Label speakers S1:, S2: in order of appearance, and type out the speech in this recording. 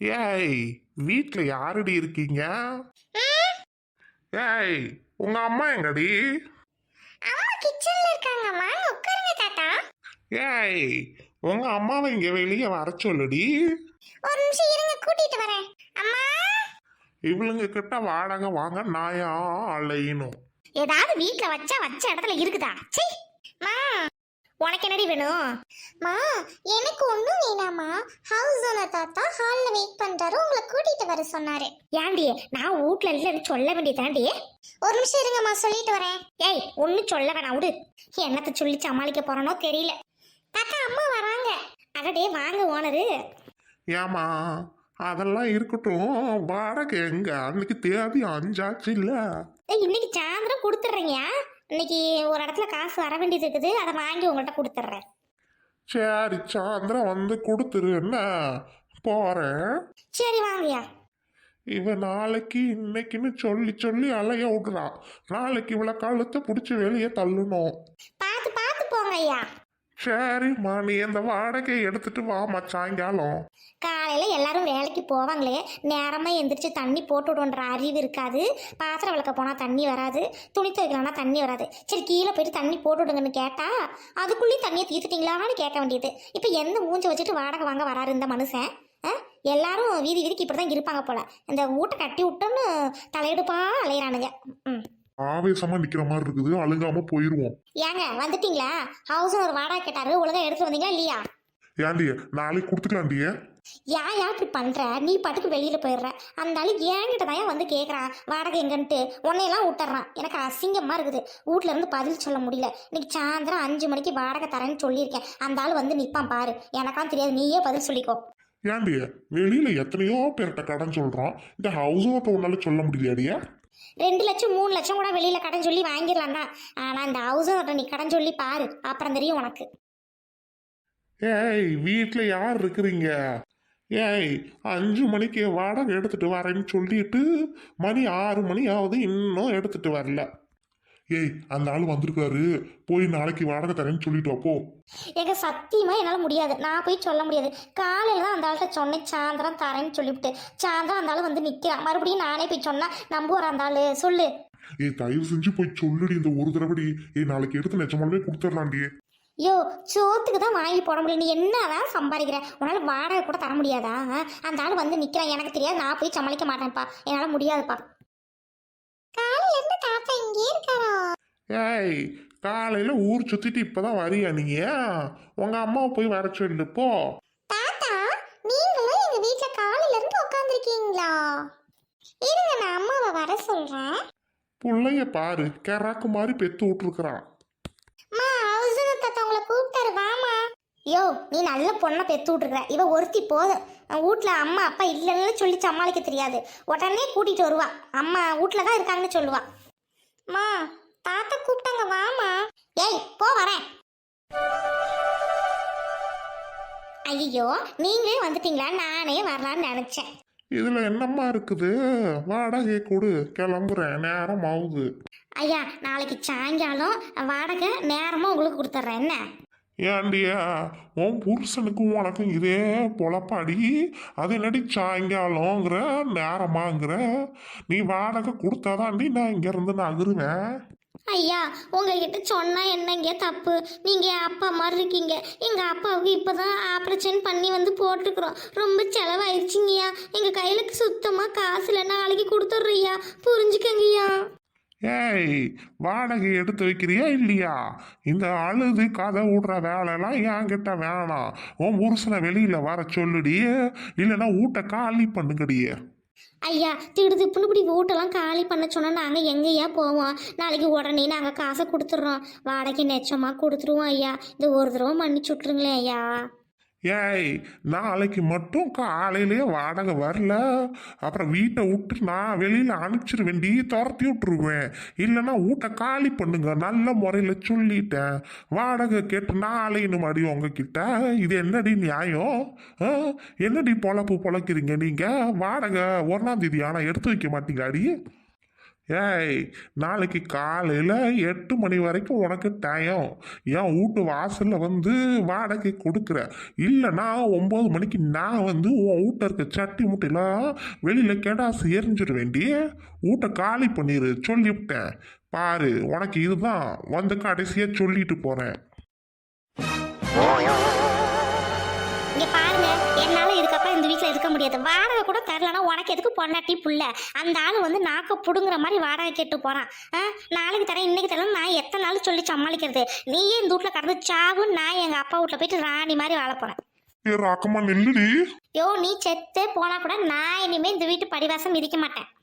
S1: ஏய், வீட்ல யாருடி இருக்கீங்க? ஏய், உங்க அம்மா எங்கடி?
S2: அம்மா கிச்சன்ல இருக்காங்க. வாங்க உட்காருங்க தாத்தா.
S1: ஏய், உங்க அம்மாவை இங்க வெளியே வர சொல்லுடி.
S2: ஒரு நிமிஷம் இருங்க, கூட்டிட்டு வரேன். அம்மா,
S1: இவளுங்க கிட்ட வாடகை வாங்க நாயா அலையணும்.
S2: ஏதாவது வீட்ல வச்ச இடத்துல இருக்குதா? சீ. மா, உனக்கு என்னடி வேணும்? மா, எனக்கு ஒண்ணும் வேணாமா. ஹவுஸ் ஓனர் தாத்தா ஹால்ல வெயிட் பண்றாரு, உங்களை கூட்டிட்டு வர சொன்னாரு. ஏண்டி, நான் வீட்ல இல்லன்னு சொல்ல வேண்டியதாண்டி. ஒரு நிமிஷம் இருங்கம்மா, சொல்லிட்டு வரேன். ஏய், ஒன்னும் சொல்ல வேணாம், விடு. என்னத்த சொல்லி சமாளிக்க போறனோ தெரியல. தாத்தா, அம்மா வராங்க. அடடே, வாங்க ஓனரு.
S1: ஏமா, அதெல்லாம் இருக்கட்டும். வாடகை எங்க? அன்னைக்கு தேதி 5 ஆச்சு இல்ல?
S2: இன்னைக்கு சாயந்தரம் கொடுத்துட்றேங்கய்யா. இன்னைக்கு ஒரு இடத்துல காசு வர வேண்டியது இருக்குது, அதை வாங்கி உங்கள்கிட்ட கொடுத்துட்றேன்.
S1: சரி, சாயந்தரம் வந்து கொடுத்துரு. என்ன போறேன்.
S2: சரி, வாங்கய்யா.
S1: இவ நாளைக்கு இன்னைக்குன்னு சொல்லி சொல்லி அலைய விடுறா. நாளைக்கு இவளை கழுத்தை பிடிச்சி வெளியே தள்ளணும்.
S2: பார்த்து பார்த்து போங்க ஐயா.
S1: சரிம்மா, நீ இந்த வாடகையை எடுத்துட்டு வாமா சாயங்காலம்.
S2: காலையில எல்லாரும் வேலைக்கு போவாங்களே, நேரமா எந்திரிச்சு தண்ணி போட்டு விடுன்ற அறிவு இருக்காது. பாத்திரம் விளக்க போனா தண்ணி வராது, துணி துவைக்கலாம்னா தண்ணி வராது. சரி, கீழே போயிட்டு தண்ணி போட்டு விடுங்கன்னு கேட்டா அதுக்குள்ளேயும் தண்ணியை தீர்த்துட்டீங்களான்னு கேட்க வேண்டியது. இப்போ எந்த மூஞ்ச வச்சுட்டு வாடகை வாங்க வராரு இந்த மனுஷன்? எல்லாரும் வீதி வீதிக்கு இப்படிதான் இருப்பாங்க போல. இந்த வீட்டை கட்டி விட்டோன்னு தலையெடுப்பா அலையிறானுங்க. ம்.
S1: ஆவேசமா நிக்கிற மாதிரி இருக்குது, அழுங்காம போயிருவோம்.
S2: ஏங்க, வந்துட்டீங்களா? ஹவுஸ் ஒரு வாடகை கேட்டாரு, ஒழுங்கா எடுத்து வந்தீங்களா இல்லையா?
S1: ஏண்டிய நாளைக்கு கொடுத்துக்கலாண்டிய.
S2: ஏன் இப்படி பண்ற? நீ பாட்டுக்கு வெளியில போயிடுற. அந்த ஆளு என்கிட்ட தான் வந்து கேட்கறான் வாடகை எங்கன்ட்டு. உன்னையெல்லாம் விட்டுறான். எனக்கு அசிங்கமா இருக்குது. வீட்ல இருந்து பதில் சொல்ல முடியல. இன்னைக்கு சாயந்தரம் 5 மணிக்கு வாடகை தரேன்னு சொல்லியிருக்கேன். அந்த ஆள் வந்து நிப்பான் பாரு. எனக்காம் தெரியாது, நீயே பதில் சொல்லிக்கோ.
S1: ஏண்டிய வெளியில எத்தனையோ பேர்கிட்ட கடன் சொல்றான், இந்த ஹவுஸ் ஓட்ட உன்னால சொல்ல முடியலையாடியா?
S2: 2 லட்சம் 3 லட்சம் கூட வெளியில கடன் சொல்லி வாங்கிடலாம் தான். ஆனா இந்த ஹவுஸ் நீ கடன் சொல்லி பாரு, அப்புறம் தெரியும் உனக்கு.
S1: ஏய், வீட்டுல யார் இருக்கிறீங்க? ஏய், 5 மணிக்கு வாடகை எடுத்துட்டு வரேன்னு சொல்லிட்டு மணி 6 மணி ஆகுது, இன்னும் எடுத்துட்டு வரல. ஏய், அந்த ஆள் வந்திருக்காரு, போய் நாளைக்கு வாடகை தரேன்னு சொல்லிட்டு போ.
S2: எங்க சத்தியமா என்னால முடியாது, நான் போய் சொல்ல முடியாது. காலையில தான் அந்த ஆள்கிட்ட சொன்னேன் சாயந்தரம் தரேன்னு சொல்லிவிட்டு. சாயந்தரம் அந்த ஆள் வந்து நிக்கிறான். மறுபடியும் நானே போய் சொன்னா நம்புவார் அந்த ஆளு? சொல்லு.
S1: ஏய், தயவு செஞ்சு போய் சொல்லுடி இந்த ஒரு தடவை. ஏய், நாளைக்கு எடுத்து நிஜமாலுமே கொடுத்துடலாண்டி.
S2: யோ, சோத்துக்கு தான் வாங்கி போட முடியல. நீ என்னதான் சம்பாதிக்கிற? உன்னால வாடகை கூட தர முடியாதா? அந்த ஆள் வந்து நிக்கிறான், எனக்கு தெரியாது, நான் போய் சமாளிக்க மாட்டேன்ப்பா, என்னால முடியாதுப்பா. காலையில இருந்து தாத்தா இங்கே இருக்காரா?
S1: ஏய், காலையில ஊர் சுத்திட்டு இப்பதான் வரியா நீங்க? உங்க அம்மாவை போய் வர சொல்லு போ.
S2: தாத்தா, நீங்களும் எங்க வீட்ல காலையில இருந்து உட்காந்துருக்கீங்களா? இருங்க, நான் அம்மாவை வர சொல்றேன்.
S1: புள்ளைய பாரு, கெராக்கு மாதிரி பெத்து விட்டுருக்குறான்.
S2: மா, ஹவுஸ் தாத்தா உங்களை கூப்பிட்டாரு, வாமா. யோ, நீ நல்ல பொண்ணை பெத்து விட்டுருக்குற. இவ ஒருத்தி போதும். வீட்டில் அம்மா அப்பா இல்லைன்னு சொல்லி சமாளிக்க தெரியாது. உடனே கூட்டிட்டு வருவா. அம்மா வீட்டில் தான் இருக்காங்கன்னு சொல்லுவா. மா, தாத்தா கூப்பிட்டாங்க, வாமா. ஏய், போ, வரேன். ஐயோ, நீங்களே வந்துட்டீங்களா? நானே வரலான்னு நினைச்சேன்.
S1: இதுல என்னம்மா இருக்குது? வாடகை கொடு, கிளம்புறேன், நேரம் ஆகுது.
S2: ஐயா, நாளைக்கு சாயங்காலம் வாடகை நேரமாக உங்களுக்கு கொடுத்துட்றேன். என்ன?
S1: ஏண்டியா, உன் புருஷனுக்கும் உனக்கும் இதே பொழப்பாடி. அது என்னடி சாயங்காலங்கிற நேரமாங்கிற? நீ வாடகை கொடுத்தாதாண்டி நான் இங்கேருந்து நகருவேன்.
S2: ஐயா, உங்ககிட்ட சொன்னா என்னங்க தப்பு? நீங்க அப்பா மாதிரி இருக்கீங்க. எங்க அப்பாவுக்கு இப்பதான் ஆப்ரேஷன் பண்ணி வந்து போட்டுக்கிறோம். ரொம்ப செலவாயிருச்சுங்கய்யா. எங்க கையில சுத்தமா காசு இல்லை. நாளைக்கு கொடுத்துட்றியா? புரிஞ்சுக்கங்கய்யா.
S1: ஏய், வாடகை எடுத்து வைக்கிறியா இல்லையா? இந்த அழுது கதை விடுற வேலைலாம் என்கிட்ட வேணாம். உன் புருஷனை வெளியில வர சொல்லுடி, இல்லைன்னா வீட்டை காலி பண்ணுங்கடியே.
S2: ஐயா, திடுதிப்புன்னு இப்படி வீட்டெல்லாம் காலி பண்ண சொன்னா நாங்கள் எங்கேயா போவோம்? நாளைக்கு உடனே நாங்கள் காசை கொடுத்துட்றோம். வாடகை நெச்சமாக கொடுத்துருவோம் ஐயா. இந்த ஒரு தடவை மன்னிச்சு விட்ருங்களேன் ஐயா.
S1: ஏய், நாளைக்கு மட்டும் காலையிலேயே வாடகை வரல, அப்புறம் வீட்டை விட்டு நான் வெளியில் அனுப்பிச்சிருவேன், துரத்தி விட்டுருவேன். இல்லைன்னா வீட்டை காலி பண்ணுங்க, நல்ல முறையில் சொல்லிட்டேன். வாடகை கேட்டு நாளைன்னு மடி உங்ககிட்ட. இது என்னடி நியாயம்? என்னடி பொழப்பு பொழைக்கிறீங்க நீங்கள்? வாடகை 1ஆம் தேதி ஆனால் எடுத்து வைக்க மாட்டீங்களாடி? ஏய், நாளைக்கு காலையில் 8 மணி வரைக்கும் உனக்கு டைம். என் வீட்டு வாசலில் வந்து வாடகை கொடுக்குற. இல்லைன்னா 9 மணிக்கு நான் வந்து உன் வீட்டை இருக்க சட்டி முட்டையெல்லாம் வெளியில் கெடாசு எரிஞ்சிட வேண்டி வீட்டை காலி பண்ணிடு சொல்லிவிட்டேன். பாரு, உனக்கு இதுதான் வந்து கடைசியாக சொல்லிட்டு போகிறேன்.
S2: இங்க பாருங்க, என்னால இதுக்கப்புறம் இந்த வீட்ல இருக்க முடியாது. வாடகை கூட தரலனா உனக்கு எதுக்கு பொண்டாட்டி புள்ள? அந்த ஆள் வந்து நாக்க புடுங்குற மாதிரி வாடகை கேட்டு போறான். நாளைக்கு தரேன், இன்னைக்கு தரேன், நான் எத்தனை நாள் சொல்லி சமாளிக்கிறது? நீயே இந்த வீட்ல கடந்து சாவு, நான் எங்க அப்பா வீட்ல போயிட்டு ராணி மாதிரி வாழ போறேன்.
S1: ஏ ராக்கம்மா நில்லுடி.
S2: யோ, நீ செத்தே போனா கூட நான் இனிமே இந்த வீட்டு படிவாசம் மிதிக்க மாட்டேன்.